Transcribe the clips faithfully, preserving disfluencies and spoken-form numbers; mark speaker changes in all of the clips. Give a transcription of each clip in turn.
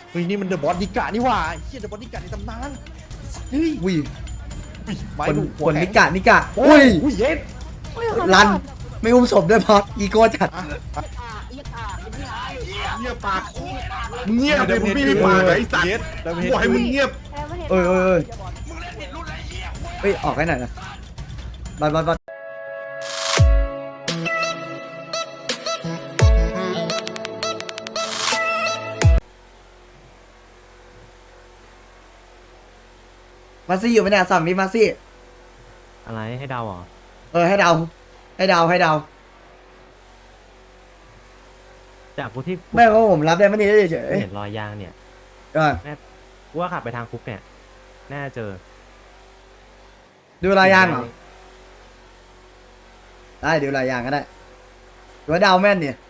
Speaker 1: เฮ้ยนี่มันเดอะบอสดิกะนี่หว่าเฮียเดอะบอสดิกะในตำนานเฮ้ย
Speaker 2: อุ้ย
Speaker 1: ไม้
Speaker 2: คน
Speaker 1: ดู
Speaker 2: คนนิกะนิกะ
Speaker 1: โอ้
Speaker 2: อุ้
Speaker 1: ย
Speaker 2: ย
Speaker 1: อุ้ยเย็ด
Speaker 2: รันไม่อุ้มศพด้วยพออีโก้จัด
Speaker 3: เงียบปากเงียบเลยมึงไม่มีปากไอ้สัตว์
Speaker 1: เย็ดเดอะเฮด
Speaker 3: บอกให้มึงเงียบ
Speaker 2: เอ้ยเอ้ยเอ้ยเฮ้ยออกให้หน่อยนะบอลบอลบอลมาซี่อยู่ไหมเนี่ยสั่งนี้มาซี่
Speaker 4: อะไรให้เดาเหรอ
Speaker 2: เออให้เดาให้เดาให้เดา
Speaker 4: จากกูที่
Speaker 2: ไม่เพราะผมรับได้ไม่ได้เฉย
Speaker 4: เห็นรอยยางเนี่ย
Speaker 2: ๆเออ
Speaker 4: กูว่าขับไปทางคุกเนี่ยน่าจะเจอ
Speaker 2: ดูรายยางเหรอได้ดูรายยางก็ได้หรือว่าเดาแม่นเนี่ย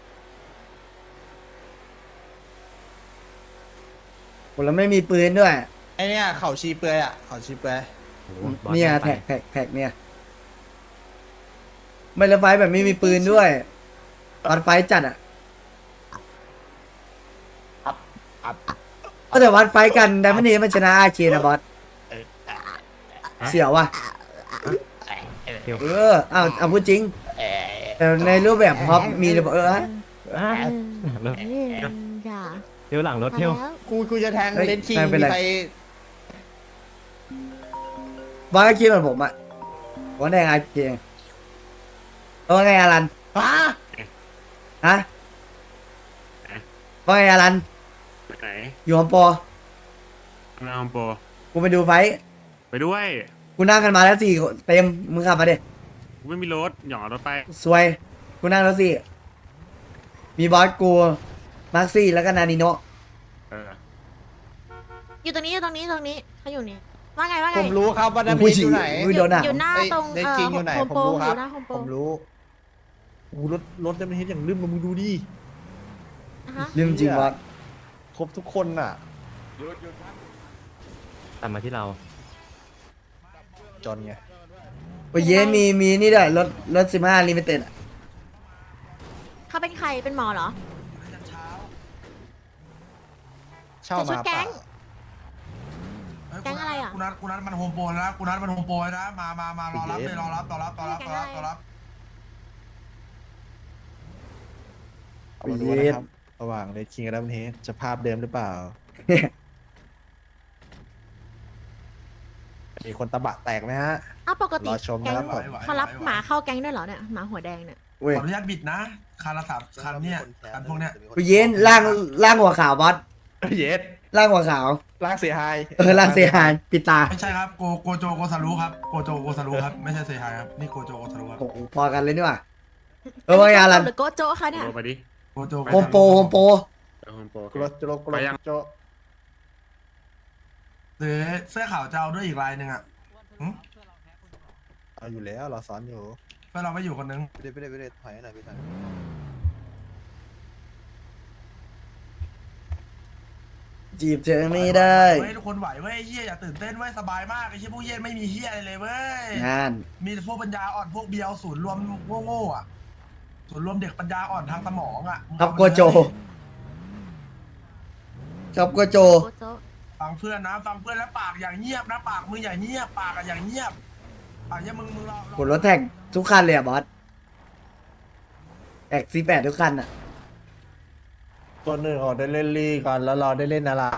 Speaker 2: ผมแล้วไม่มีปืนด้วย
Speaker 1: ไอเนี่ยเข่าชีเปลือยอ่ะเข่าชีเปลือย
Speaker 4: โอ้โหบอส
Speaker 2: เนี่ย
Speaker 4: แม่งไป
Speaker 2: แท็กแท็กแท็กเนี่ยไม่ละไฟแบบไม่มีปืนด้วยตอนไฟจัดอ่ะก็แต่วันไฟกันแต่ไม่นี้มันชนะอาเชียนะบอสเสียวว่ะ
Speaker 4: เดี๋ยว
Speaker 2: เออเอาเอาพูดจริงแต่ในรูปแบบพ็อปมีเลยบอกเออ
Speaker 4: อ่ะรถ
Speaker 5: จ้า
Speaker 4: เที่ยวหลังรถเที่ยว
Speaker 1: กูกูจะแทง
Speaker 2: เฮ้ย
Speaker 1: เลนคิง
Speaker 2: แทงไป
Speaker 1: มี
Speaker 2: เลย
Speaker 1: ใคร
Speaker 2: บอสก็คิดเหมือนผมอ่ะว่าในอาเชียเออไงอารัน
Speaker 1: ฮะ
Speaker 2: ฮะว่าไงอารัน
Speaker 3: ไหน
Speaker 2: อยู่ฮอมโปร
Speaker 3: นาอมโป
Speaker 2: กูไปดูไฟท์
Speaker 3: ไปด้วย
Speaker 2: กูนั่งกันมาแล้วสี่คนเต็มมึงขับมาดิ
Speaker 3: กูไม่มีรถหย่อนรถไป
Speaker 2: สวยกูนั่งแล้วสี่มีบอสกูมาร์คซี่แล้วก็นานิโนะ
Speaker 3: เออ
Speaker 5: อยู่ตรงนี้อยู่ตรงนี้ตรงนี้เขาอยู่นี่ว่าไงว่าไง
Speaker 1: ผมรู้ครับว่าดาเม
Speaker 2: ผู้
Speaker 1: จ
Speaker 2: หญิ
Speaker 1: อง ยู่ไหน
Speaker 2: กูโดนอ่ะ
Speaker 5: อยู่หน้า
Speaker 1: เอ้ย
Speaker 5: ตรง
Speaker 1: เลนคิงอยู่ไหน
Speaker 5: โฮม
Speaker 1: ผม
Speaker 5: โปร
Speaker 1: รู้
Speaker 5: อ
Speaker 1: ครับ
Speaker 5: ยู่หน้าโฮมโปร
Speaker 1: ผมรู้โอ้รถรถดาเมจอย่างลืมมามึงดูดิ
Speaker 5: อ่ะฮะ
Speaker 2: ลืมจริงบอส
Speaker 1: ครบทุกคนน่ะ
Speaker 4: ตามมาที่เรา
Speaker 1: จนไง
Speaker 2: โอ้ยเย้มีมีนี่ด้วยรถรถสิบห้าลิมิเต็ดอ่ะ
Speaker 5: เขาเป็นใครเป็นหมอเหรอ
Speaker 1: เช่า
Speaker 5: จะชุ
Speaker 1: มา
Speaker 5: ดแก๊ง
Speaker 1: เปล่า
Speaker 5: แก๊งอะไรอ่ะ
Speaker 6: กูนัดกูนัดมันโฮมโปรแล้วกูนัดมันโฮมโปรนะมามามารอรับเลยรอรับรอรับรอรับรอรับรอรับ
Speaker 1: เอามาดูนะครับระหว่างเลนคิงกับดาเมจจะภาพเดิมหรือเปล่า มีคนตะบะแตกไหมฮะ
Speaker 5: อ้าวปกติ
Speaker 1: รอชม
Speaker 5: แก๊ง
Speaker 1: นะครับผม
Speaker 5: เขารับหมาเข้าแก๊งด้วยเหรอเนี่ยหมาหัวแดงเนี่ย
Speaker 2: เว้ย
Speaker 6: ขออนุญาตบิดนะคันละสามคันเนี่ยคันพวกเนี้ย
Speaker 2: โอ้ยเย้ล่างล่างหัวขาวบอส
Speaker 1: เย็ด
Speaker 2: ล่างหัวขาว
Speaker 1: ลากเสียหาย
Speaker 2: เออล่างเสียหายปิดตา
Speaker 6: ไม่ใช่ครับโกโกโจโกซารุครับโกโจโกซารุครับไม่ใช่เซฮายครับนี่โกโจโกซารุครับ
Speaker 2: โอ้โหพอกันเลยนี่หว่าเออว่าไงอารัน
Speaker 5: หรือโกโจคะเนี่ย
Speaker 3: โทรไปดิ
Speaker 6: โกโจ
Speaker 2: โฮมโปรโฮมโปร
Speaker 3: เออโฮมโปร
Speaker 1: กรโจโรกร
Speaker 3: ไปยัง
Speaker 1: โจ
Speaker 6: หรือเสื้อขาวจะเอาด้วยอีกลายหนึ่งอ่ะหึ
Speaker 1: เอาอยู่แล้วเราสอนอยู่
Speaker 6: เพื่อนเราไม่อยู่คนนึง
Speaker 1: ไปเลยไปเลยไปเลยถอยหน่อยพี่ถอย
Speaker 2: จีบเธอไม่ได้
Speaker 6: เว้ยทุกคนไหวเว้ยเฮียอย่าตื่นเต้นเว้ยสบายมากไอ้เฮียพวกเฮียไม่มีเฮียอะไรเลยเว้ย
Speaker 2: งาน
Speaker 6: มีพวกปัญญาอ่อนพวกเบียวศูนย์รวมโง่ๆอ่ะศูนย์รวมเด็กปัญญาอ่อนทางสมองอ่ะ
Speaker 2: ครับโกโจครับโกโจ
Speaker 5: โกโจ
Speaker 6: ฟังเพื่อนนะฟังเพื่อนแล้วปากอย่างเงียบนะปากมึงอย่างเงียบปากอะอย่างเงียบปากเนี้ยมึงมึงรอรอ
Speaker 2: ผลรถแท็กทุกคันเลยอ่ะบอสแท็กซีแปดทุกคันอ่ะ
Speaker 1: ตัวหนึ่งออกได้เล่นลีก่อนแล้วเราได้เล่นอะไร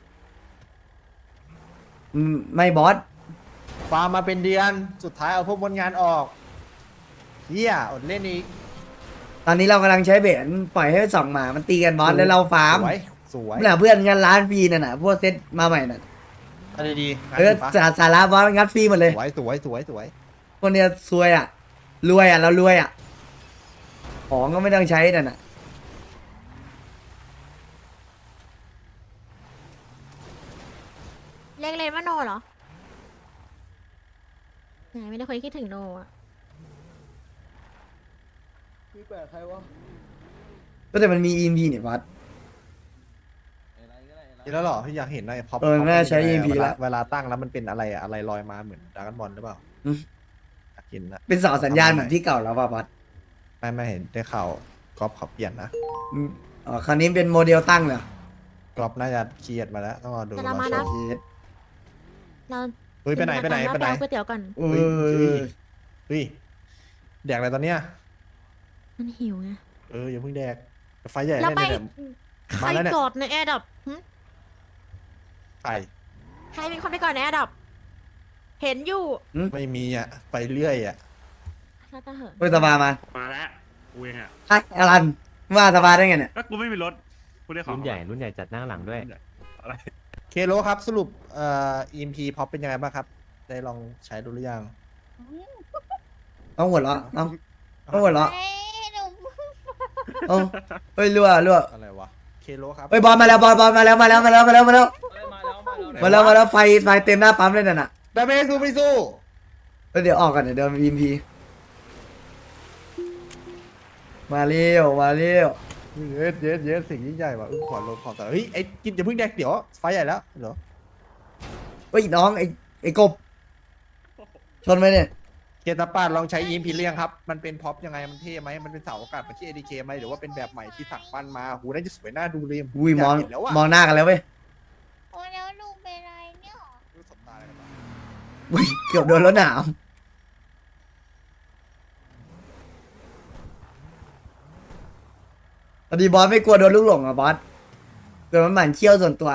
Speaker 2: อืมไม่บอส
Speaker 1: ฟาร์มมาเป็นเดือนสุดท้ายเอาพวกบนงานออกเฮียอดเล่นอีก
Speaker 2: ตอนนี้เรากำลังใช้เบนปล่อยให้สองหมามันตีกันบอสแล้วเราฟาร์ม
Speaker 1: สวยสวย
Speaker 2: น่ะเพื่อนงานร้านฟรีน่ะนะพวกเซตมาใหม่น่ะ
Speaker 1: อันดีๆงาน
Speaker 2: เออ
Speaker 1: ดีปะ
Speaker 2: สาสาระบอสงัดฟรีหมดเลย
Speaker 1: สวยสวยสวยสวย
Speaker 2: คนเนี้ยซวยอ่ะรวยอ่ะเรารวยอ่ะของก็ไม่ต้องใช้น่ะน่ะ
Speaker 5: เรียกเลนว่าโนเหรอไหนไม่ได้คนคิดถึงโนอ่ะ
Speaker 2: ก็แต่มันมีอีพีเนี่ยบอส
Speaker 1: นี่แล้วเหรอพี่อยากเห็นหน่อยพอ
Speaker 2: เออน่าใช้ อี เอ็ม พี
Speaker 1: เวลา
Speaker 2: ละ
Speaker 1: เวลาตั้งแล้วมันเป็นอะไรอะอะไรลอยมาเหมือนดราก้อนบอลหรือเปล่า
Speaker 2: อืม
Speaker 1: อยากเห็นนะ
Speaker 2: เป็นเสาสัญญาณเหมือนที่เก่าแล้วป่ะบอส
Speaker 1: ไม่ไม่เห็นได้ข่าวก๊อฟเขาเปลี่ยนนะ
Speaker 2: อืมอ๋อคราวนี้เป็นโมเดลตั้งเลยเหรอ
Speaker 1: เอรอบน่าจะเครียดมาแล้วต้องรอดู
Speaker 5: จะเรามานะ
Speaker 2: เย็ด
Speaker 5: เรา
Speaker 1: เฮ้ยไปไหนไปไหนไปไหน
Speaker 5: เอาก๋วยเตี๋ยวก่อน
Speaker 2: เออ
Speaker 1: เฮ้ยแดกอะไรตอนเนี้ย
Speaker 5: มันหิวไง
Speaker 1: เอออย่าเพิ่งแดกไฟใหญ่
Speaker 5: แล้ว
Speaker 1: แน่
Speaker 5: ไป
Speaker 1: เนี่ย
Speaker 5: ใคร
Speaker 1: มาแล้วเนี่ย
Speaker 5: กอดในแอร์ดับ
Speaker 1: ไฟ
Speaker 5: ใครมีคนไปก่อนในแอร์ดับ เห็นอยู่
Speaker 1: ไม่มีอ่ะไปเรื่อยอ่ะ
Speaker 5: ถ้าตาเหอะ
Speaker 2: เฮ้ยสบายมา
Speaker 3: มาแล้วกูเองอ่ะ
Speaker 2: ไอ้อลันว่าสบายได้ไงเนี่ย
Speaker 3: ก็กูไม่มีรถกูได้ของ
Speaker 4: รุ่นใหญ่รุ่นใหญ่จัดหน้าหลังด้วย
Speaker 3: อะไร
Speaker 1: เคโลครับสรุปเอ่อ อี เอ็ม พี พ็อปเป็นยังไงบ้างครับ ได้ลองใช้ดูหรือยัง
Speaker 2: ต้องหัวเราะต้องต้องหัวเราะ
Speaker 5: เอ้ยหนู
Speaker 2: เอ้าเฮ้ยรั่วรั่ว
Speaker 1: อะไรวะเคโลครับ
Speaker 2: เฮ้ยบอลมาแล้วบอลบอลมาแล้วมาแล้วมาแล้วมาแล้วมาแล้วมาแล้วมาแล้วไฟไฟเต็มหน้าปั๊มเลยน่ะน่ะ
Speaker 1: ดาเมจสู้ไม่สู้
Speaker 2: เฮ้ยเดี๋ยวออกกันเดี๋ยวเดินวีมพีมาเร็วมาเร็ว
Speaker 1: เยสเยสเยสสิ่งยิ่งใหญ่ว่ะอึ้งขวัญลงขอบตาเฮ้ยไอ้กินอย่าเพิ่งแดกเดี๋ยวไฟใหญ่แล้วเหรอ
Speaker 2: เฮ้ยน้องไอ้ไอ้กบชนไหมเนี่ย
Speaker 1: เกตาปาดลองใช้ อี เอ็ม พี เรียงครับ มันเป็นพ็อปยังไงมันเท่ไหมมันเป็นเสาอากาศเหมือนที่ เอ ดี เค ไหมหรือว่าเป็นแบบใหม่ที่สั่งปั้นมาหูน่าจะสวยน่าดูเลย
Speaker 2: อุ้ยมอง
Speaker 1: ากเห็นแล้วอะ
Speaker 2: มองหน้ากันแล้วเว้ย
Speaker 5: โอ้แล้วลุงเป็นไรเนี่ย
Speaker 1: รู้สบตาอะไรกันวะ
Speaker 2: อุ้ยเกือบโดนรถหนามพอดีบอสไม่กลัวโดนลูกหลงอ่ะบอสเกิดมันหมั่นเขี้ยวส่วนตัว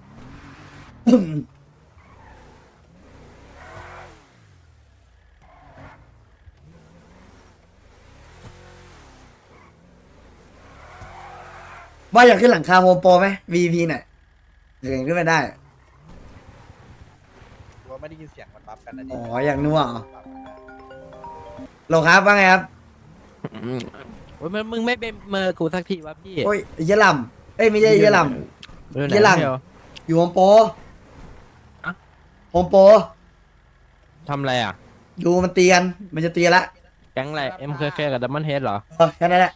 Speaker 2: ว่าอยากขึ้นหลังคาโฮมโปรไหม วี พี หน่อยเดี๋ยวขึ้นไม่ได้
Speaker 1: ว่าไม่ได้ยินเสียงมันบัฟกันนะดิ
Speaker 2: อ๋ออยากนัวเหรอ โลครับว่าไงครับ
Speaker 7: โอ้ยมึงมึงไม่เป็นเมอร์กูสักทีวะพี่
Speaker 2: โอ้ยไอ้เหี้ยลำเอ้ยไม่ใช่ไอ้เหี้ยลำ
Speaker 7: เรื่องไหน
Speaker 2: ยี่หลัง
Speaker 7: เดียว
Speaker 2: อยู่โฮมโปร
Speaker 7: อะ
Speaker 2: โฮมโปร
Speaker 7: ทำอะไรอ่ะ
Speaker 2: ดูมันเตียน มันจะเตียนละ
Speaker 7: แก๊งอะไร เอ็มเคเคกับดัมเบิลเฮดเหรอ
Speaker 2: เออแค่นั้นแหละ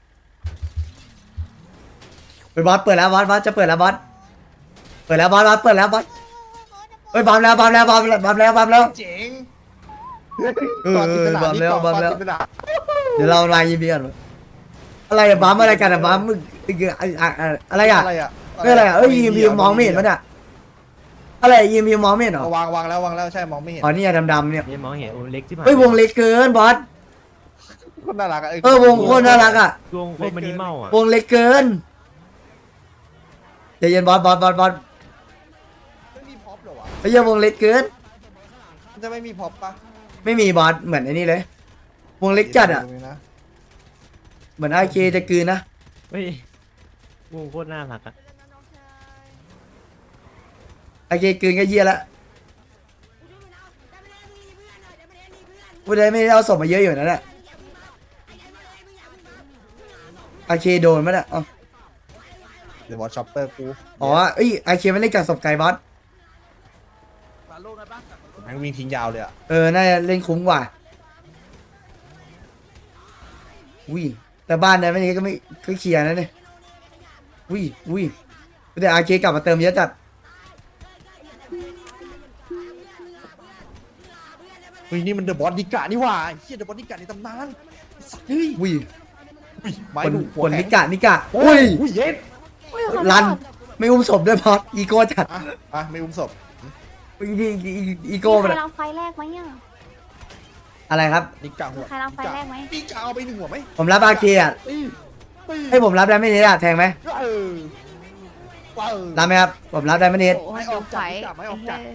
Speaker 2: ไปบอสเปิดแล้วบอสบอสจะเปิดแล้วบอส เปิดแล้วบอสบอสเปิดแล้วบอสเฮ้ยบอมแล้วบอมแล้วบอมแล้วบอมแล้วบอมแล้ว
Speaker 1: เจ๋ง
Speaker 2: เออ
Speaker 1: ก่อนจินตนา
Speaker 2: บัฟแล้ว
Speaker 1: ก่อน
Speaker 2: บัฟแล้ว
Speaker 1: จินตนา
Speaker 2: เดี๋ยวเราลายยีพีกันอะไรอะบัมอะไรกันอะบัมมึงอะไรอะ
Speaker 1: อะไรอะ
Speaker 2: ไม่อะไรอะเอ้ยยีพีมองไม่เห็นมันอะอะไรยีพีมองไม่เห็นเหรอ
Speaker 1: วางวางแล้ววางแล้วใช่มองไม่เห็น
Speaker 2: อ๋อนี่ดำๆเนี่ย
Speaker 4: นี่มองเห็นโอ้เล็กที่ผ่าน
Speaker 2: เฮ้ยวงเล็กเกินบอส
Speaker 1: คนน่ารักอะ
Speaker 2: เออวงโคตรน่ารักอะ
Speaker 4: วงโคตรมินิมอลอ่ะ
Speaker 2: วงเล็กเกินใจเย็นบอสบอสบอสบอส
Speaker 1: ไม่มีพ็อปเหรอวะ
Speaker 2: ไอ้เหี้ยวงเล็กเกิน
Speaker 1: มันจะไม่มีพ็อปปะ
Speaker 2: ไม่มีบอสเหมือนไอ้นี่เลย วงเล็กจัดอะ
Speaker 1: ตรงนี้นะ
Speaker 2: เหมือนไอเคจะกลืนนะ
Speaker 4: เฮ้ยวงโคตรน่ารักอ่ะ
Speaker 2: ไอเคกลืนก็เยี่ยละพูดได้ไม่ได้เอาศพมาเยอะอยู่นั่นแหละไอเคโดนมั้ยเนี่ยอ๋อ
Speaker 1: เดี๋ยวบอสช็อปเปอร์กู
Speaker 2: อ๋อเอ้ยไอเคมันเล่นกับศพไก่บอส
Speaker 1: แม่งวิ่งทิ้งยาวเลยอะ
Speaker 2: เออน่าจะเล่นคุ้มกว่าอุ้ยแต่บ้านนั้นไม่นี้ก็ไม่ก็เคลียร์นะเนี่ยอุ้ยอุ้ยแต่ไอเคกลับมาเติมเยอะจัด
Speaker 1: เฮ้ยนี่มันเดอะบอสดิกะนี่หว่าเฮียเดอะบอสดิกะในตำนานสัตว์เฮ้ย
Speaker 2: อุ้ย
Speaker 1: ไม้
Speaker 2: คน
Speaker 1: ดูหั
Speaker 2: คว
Speaker 1: แข็ง
Speaker 2: นิกะนิกะ
Speaker 1: โอ้
Speaker 2: อุ้
Speaker 1: ย
Speaker 2: ย
Speaker 1: อุ้ยเย็ด
Speaker 5: อุ้ยขอโทษ
Speaker 2: รันไม่อุ้มศพด้วยพอดอีโก้จัด
Speaker 1: อ่ะอ่ะไม่อุ้มศพ
Speaker 2: อีอีอีอี
Speaker 5: มี
Speaker 2: โก้
Speaker 5: ใค
Speaker 2: มัน
Speaker 5: ร
Speaker 2: อะ
Speaker 5: ลองไฟแรกไหมอ่ะ
Speaker 2: อะไรครับ
Speaker 1: ดิกะหั
Speaker 5: มี
Speaker 1: ว
Speaker 5: ใครลองไฟแรกไหม
Speaker 1: ดิกะเอาไปหนึ่งหัวไหม
Speaker 2: ผมรับอาเคอะ
Speaker 1: ตีตี
Speaker 2: ให้ผมรับได้ไม่เนตอะแทงไหม
Speaker 1: เออว้าว
Speaker 2: รับไหมครับผมรับได้ไม่เนต
Speaker 1: ไม่ออกจากดิกะไม่ออกจาก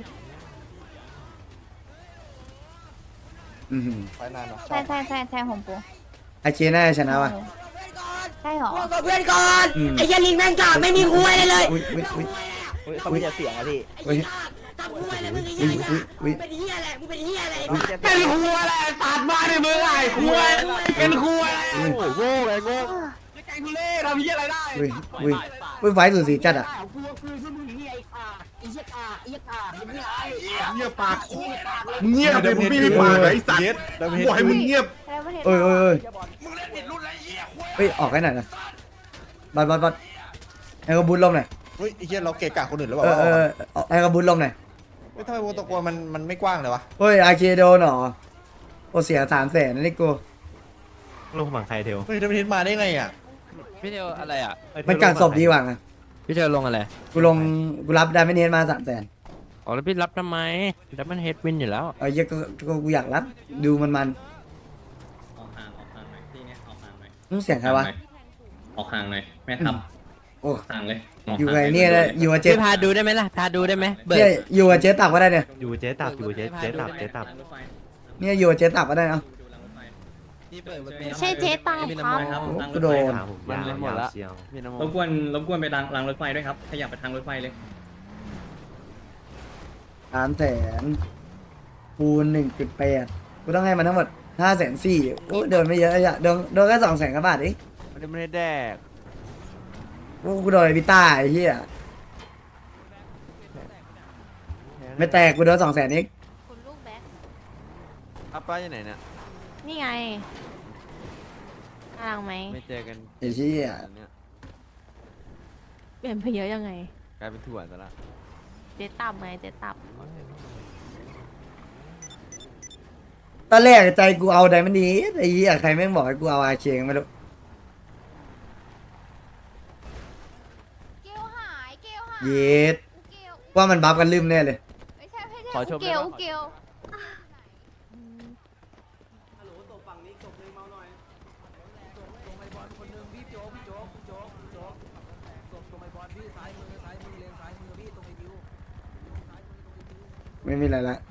Speaker 2: อือหือ
Speaker 1: ไฟนานเนาะ
Speaker 5: ใช่ใช่ใช่ใช่โฮมโปร
Speaker 2: อาเคน่าจะชนะว่ะ
Speaker 5: ใช่เหรอ
Speaker 8: กับเพื่อนก่อน
Speaker 2: อืม
Speaker 8: ไอ้เหี้ยลิงแม่งกาไม่มีคุยเลยเลย
Speaker 2: อุ้ยอุ้ยอุ้ย
Speaker 1: เขาไม่จะเสียงอะพี่
Speaker 2: อุ้ย
Speaker 8: ทำคุยเลยมึงไอ้
Speaker 2: อุ้
Speaker 8: เหี้
Speaker 2: ย
Speaker 8: ย
Speaker 2: อุ้ยอุ้ย
Speaker 8: เป็นเหี้ยอะไรมึงเป็นเหี้ยอะไร
Speaker 3: เป็นครัวแหละตัดมาในมือไอ้ครัวเป็นครัวโง่โง่ไงโง่ไก่ทุเล่ทำยี่อะไรได้
Speaker 2: อุ้ยอุ้ยอุ้ยไฟสูสีจัดอะ
Speaker 8: กูคือชื่อมึงเหี้ยไอ้ขาไอ้เหี้ยขาไอ้เหี้ยขาไอ้เหี้ยไอ้
Speaker 3: เงียบปากมึงเงียบเลยมึงไม่มีปากไอ้สัตว์
Speaker 1: เย็ดดาเมจ
Speaker 3: บอกให้มึงเงียบ
Speaker 5: แล้วประเทศ
Speaker 2: เอ้ยเอ้ยเอ้ย
Speaker 6: มึงเล่นติดรุ่นไรเหี้ยคุย
Speaker 2: เฮ้ยออกให้หน่อยนะบอลบอลบอลให้กระบุญลมหน่อย
Speaker 1: เฮ้ยไอ้เหี้ยเราเกะกะคนอื่นหรือเป
Speaker 2: เอ
Speaker 1: ล่า
Speaker 2: อเออเออให้กระบุญลมหน่อย
Speaker 1: เฮ้ยทำไมวงตะกัวมันมันไม่กว้างเลยวะ
Speaker 2: เฮ้ยอาเคโดนเหรอโอเสียสามแสนนั่นนี่กู
Speaker 4: ลงฝั่งใครเทว
Speaker 1: เฮ้ยดาเมจมาได้ไงอ่ะ
Speaker 7: พี่เดียวอะไรอ่ะ
Speaker 2: มันกัดศพดีกว่าไง
Speaker 4: เท
Speaker 7: พี่เจอลงอะไร
Speaker 2: กูลงกูรับได้ไม่เนียนมาสามแสน
Speaker 7: อ๋อแล้วพี่รับทำไมรับมันเฮดวินอยู่แล้ว
Speaker 2: เออเหี้ยก็ก็กูอยากรับดูมันมัน
Speaker 9: ออกห่างออกห่างหน่อยที่เนี้ยออกห่างหน่อย
Speaker 2: ๆมึงเสียงใครวะ
Speaker 9: ออกห่างหน่อยแม่ทับ
Speaker 2: โอ้
Speaker 9: ห่างเลย
Speaker 2: อยู่ไงเนี่ยนะอยู่กับเจ๊
Speaker 7: พี่พาดูได้ไหมล่ะพาดูได้ไหมเบิร์
Speaker 2: เนี่ย
Speaker 7: ด
Speaker 2: อยู่กับเจ๊ตับก็ได้เนี่ย
Speaker 4: อยู่เจ๊ตับอยู่เจ๊เจ๊ตับเจ๊ตับ
Speaker 9: รางรถไฟ
Speaker 2: เนี่ยอยู่กับเจ๊ตับก็ได้เนาะ
Speaker 9: ดูรางรถไฟ
Speaker 7: พี่เบิร์ดมันเป็น
Speaker 5: ไม่ใช่เจ๊ตามครับ
Speaker 9: ครับ
Speaker 2: โอ้
Speaker 9: รางร
Speaker 2: กู
Speaker 9: ถ
Speaker 2: โด
Speaker 9: ไฟ
Speaker 2: น
Speaker 9: ครับ
Speaker 4: ผมยาวยาวเชียว
Speaker 9: รบกวนรบกวนไปรางรางรถไฟด้วยครับขยับไปทางรถไฟเลย
Speaker 2: สามแสนคูณหนึ่งจุดแปดกูต้องให้มันทั้งหมดห้าแสนสี่โอ้เดินไม่เยอะอะโดนโดนแค่สองแสนกว่าบาทเอง
Speaker 3: มันไม่ได้แดก
Speaker 2: โอ้กูโดนไอ้พิต้าไอ้เหี้ยไม่แตกกูโดนสองแสนเอง
Speaker 5: คุณลูกแบ็ค
Speaker 3: อัปป้าอยู่ไหนเนี่ย
Speaker 5: นี่ไงกำลังไหม
Speaker 3: ไม่เจอกัน
Speaker 2: ไอ้เหี้ย
Speaker 3: อันเนี้ย
Speaker 5: เปลี่ยนไปเยอะยังไง
Speaker 3: กลายเป็นถั่วซะละ
Speaker 5: เจ๊ตับไงเจ๊ตับ
Speaker 2: ตอนแรกใจกูเอาไดมันดีไอ้เหี้ยใครแม่งบอกให้กูเอาอาเชงไม่รู้
Speaker 8: เกลหายเกลหาย
Speaker 2: เย็ด
Speaker 8: เกล
Speaker 2: ว่ามันบัฟกันลืมแน่เลย
Speaker 8: ไม่ใช่ไม่ใช่
Speaker 3: ขอชม
Speaker 8: เก
Speaker 3: ได้
Speaker 8: ล
Speaker 3: ปะ
Speaker 8: เกล
Speaker 2: ไม่มีอะไรละ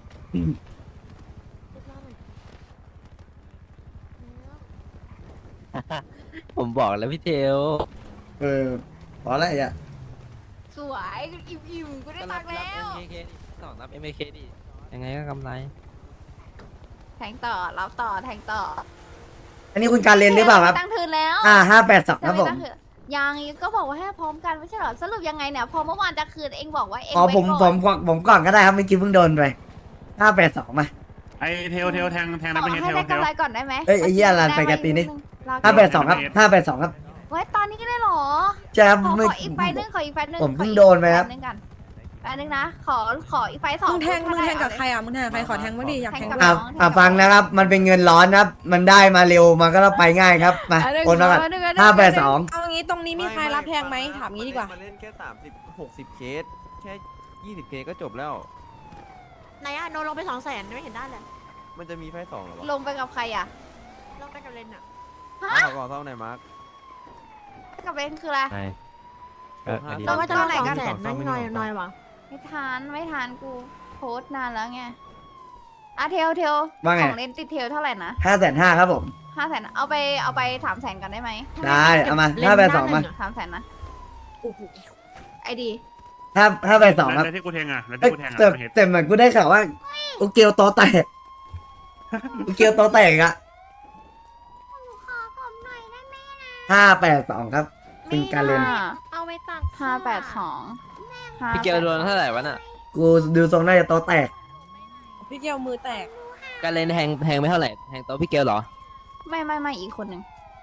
Speaker 7: ผมบอกแล้วพี่เทล
Speaker 2: เออพอแล้วไอ้อะ
Speaker 8: สวยอิ่มอิ่มๆกูได้ตังค์แล้ว
Speaker 7: เอ็มเคดิสองรับ เอ็มเคดิยังไงก็กำไร
Speaker 8: แทงต่อรับต่อแทงต่อ
Speaker 2: อันนี้คุณการเรียนหรือเปล่าครับ
Speaker 8: ตั้งคืนแล้ว
Speaker 2: อ่าห้าแปดสองครับผม
Speaker 8: ตั้งคืนยังก็บอกว่าให้พร้อมกันไม่ใช่เหรอสรุปยังไงเนี่ยพอเมื่อวานจะคืนเองบอกว่าเอง
Speaker 2: อ๋อ
Speaker 8: ไว้
Speaker 2: ผมผ
Speaker 8: ก่อ
Speaker 2: ม
Speaker 8: น
Speaker 2: ผมผมก่อนก็ได้ครับเมื่อกี้เพิ่งโดนไปห้าแปดสองมา
Speaker 6: ไอเทลเทลแทงแทง
Speaker 8: ข
Speaker 6: นะ
Speaker 8: อ
Speaker 6: เป็นเท
Speaker 8: ให้
Speaker 6: ล
Speaker 8: ได้
Speaker 6: เทล
Speaker 8: กำไรก่อนได้ไหม
Speaker 2: เอ้ยไอ้เหี้ยอะไรไปกะตีนี่
Speaker 8: รอ
Speaker 2: ห้าแปดสองครับห้าแปดสองครับ
Speaker 8: ไว้ตอนนี้ก็ได้เหรอ
Speaker 2: ใช่ครับ
Speaker 8: ขอ
Speaker 2: ไม่
Speaker 8: ขออีกไฟนึงขออีกไฟนึง
Speaker 2: ผมเพิ่ง
Speaker 8: ขออีก
Speaker 2: โดนไปครับ
Speaker 8: ฟนึงกันไฟนึงนะ ขอขออีกไฟสอง
Speaker 10: มึงแทง
Speaker 8: ถ้า
Speaker 10: มึงแทง
Speaker 8: ได้
Speaker 10: กับใครอ่ะ มึงแทงกับใคร ขอแทงบ้างดิ อยากแทง
Speaker 8: แทงกับ
Speaker 2: อ่ะอ่ะฟังนะครับ มันเป็นเงินร้อนครับ มันได้มาเร็วมันก็ต้องไปง่ายครับมา
Speaker 8: เาหง
Speaker 2: โอนมาก่อน
Speaker 8: เอหงเอหง
Speaker 2: ห้าแปดสอง
Speaker 10: เอางี้ตรงนี้มีใครรับแทงไหม ถามงี้ดีกว่า
Speaker 3: มาเล่นแค่สามสิบหกสิบเคสแค่ยี่สิบเคสก็จบแล้ว
Speaker 5: ไหนอะโนลงไปสองแสนไม่เห็นได้เลย
Speaker 3: มันจะมีไฟสองเหรอวะ
Speaker 8: ลงไปกับใครอ่ะ
Speaker 5: ลงไปกับเลนอะ
Speaker 3: มาขอก่อนเท่าไหร่มาร์ค
Speaker 8: กับเบนคืออะไร
Speaker 4: ใช่เอออันนี้
Speaker 5: ลงไปตอนไหน
Speaker 4: ส
Speaker 5: กั
Speaker 4: อน ง
Speaker 5: แสน
Speaker 4: ส
Speaker 5: นั่
Speaker 4: อง
Speaker 5: ง
Speaker 4: ไม่
Speaker 5: หน่อย
Speaker 4: มี
Speaker 5: หน่อยวะ
Speaker 8: ไม่ทานไม่ทานกูโพสต์นานแล้วไงอ่ะเทลเทล
Speaker 2: ว่าไง
Speaker 8: ของเล่นติดเทลเท่าไหร่นะ
Speaker 2: ห้าแสนห้าครับผม
Speaker 8: ห้าแสนเอาไปเอาไปสามแสนกันได้ไหม
Speaker 2: ได้เอามาห้าแปดสองมา
Speaker 8: สามแสนนะไอดี
Speaker 2: ห้าห้าแปดสองครับ
Speaker 6: แล้วที่กูแทงอ่ะแล้ว
Speaker 2: เอ้
Speaker 6: ที่
Speaker 2: ย
Speaker 6: กูแทงอ่ะ
Speaker 2: แต่
Speaker 6: เป็นเทล
Speaker 2: แต่เหมือนกูได้ข่าวว่าอุเกียวโตแตกอุเกียวโตแตกอะ
Speaker 8: ขอผมหน่อยได้ไหม
Speaker 2: ห้าแปดสองครับคุณการเรียน
Speaker 5: เอาไปตัก
Speaker 8: ห้าแปดสอง
Speaker 7: พี่เกลโดนเท่าไหร่วะน่ะ
Speaker 2: กูดูทรงน่าจะโตแตก
Speaker 10: พี่เกลมือแตก
Speaker 7: การเล่นแทงแทงไม่เท่าไหร่แทงโต๊ะพี่เกลเหรอ
Speaker 8: ไม่ไม่ไม่อีกคนหนึ่ง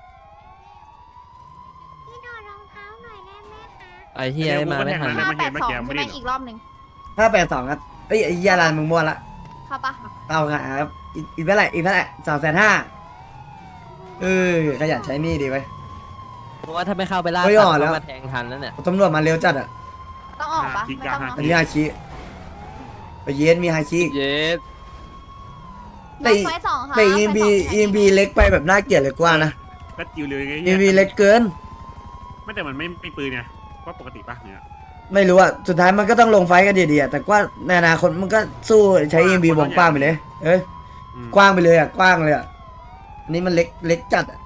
Speaker 7: ไอ้เฮียมาไม่ทัน
Speaker 8: ห้าแปดสองใช่ไหมอีกรอบหนึ่ง
Speaker 2: ห้าแปดสองครับเอ้ยไอ้ยาลานมึงมั่วละ
Speaker 8: เข้าปะ
Speaker 2: เอาครับอีกอีกเท่าไหร่อีกเท่าไหร่สองแสนห้าเออขยันใช้หนี่ดีไว้ย
Speaker 7: เพราะว่าถ้าไม่เข้าไปล่า
Speaker 2: เฮ้ย
Speaker 7: สัต
Speaker 2: อ่อน
Speaker 7: ว์
Speaker 2: แล้ว
Speaker 7: เข้ามาแทงทันแล้วเนี่ย
Speaker 2: ตำรวจมาเร็วจัดอ่ะ
Speaker 8: ต้องออกปะไม่ต้องเนอะ
Speaker 2: อันนี้ฮาชิไปเย็นมีฮาชิ
Speaker 7: เย็ด
Speaker 2: แต่
Speaker 8: น้องไฟสองค่ะ
Speaker 2: แต่ อี เอ็ม บี อี เอ็ม บี เล็กไปแบบน่าเกลียดเลยกว่านะ
Speaker 6: ก็จิวเลยไง
Speaker 2: อี เอ็ม บี เล็กเกิน
Speaker 6: ไม่แต่มันไม่ไม่ปืนไงก็ปกติปะเนี่ย
Speaker 2: ไม่รู้อ่ะสุดท้ายมันก็ต้องลงไฟต์กันดีๆอะแต่ว่าในอนาคตมันก็สู้ใช้ อี เอ็ม บี วงกว้างไปเลย เอ้ย
Speaker 6: อืม
Speaker 2: กว้างไปเลยอ่ะกว้างเลยอ่ะอันนี้มันเล็กเล็กจัดอ่ะ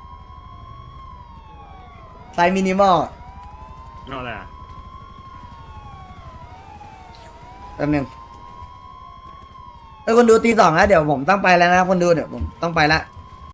Speaker 2: ไซส์มินิมอล
Speaker 6: ก็อะไรอ่ะ
Speaker 2: แป๊บนึงเอ้ยคนดูตีสองแล้วเดี๋ยวผมต้องไปแล้วนะคนดูเดี๋ยวผมต้องไปละ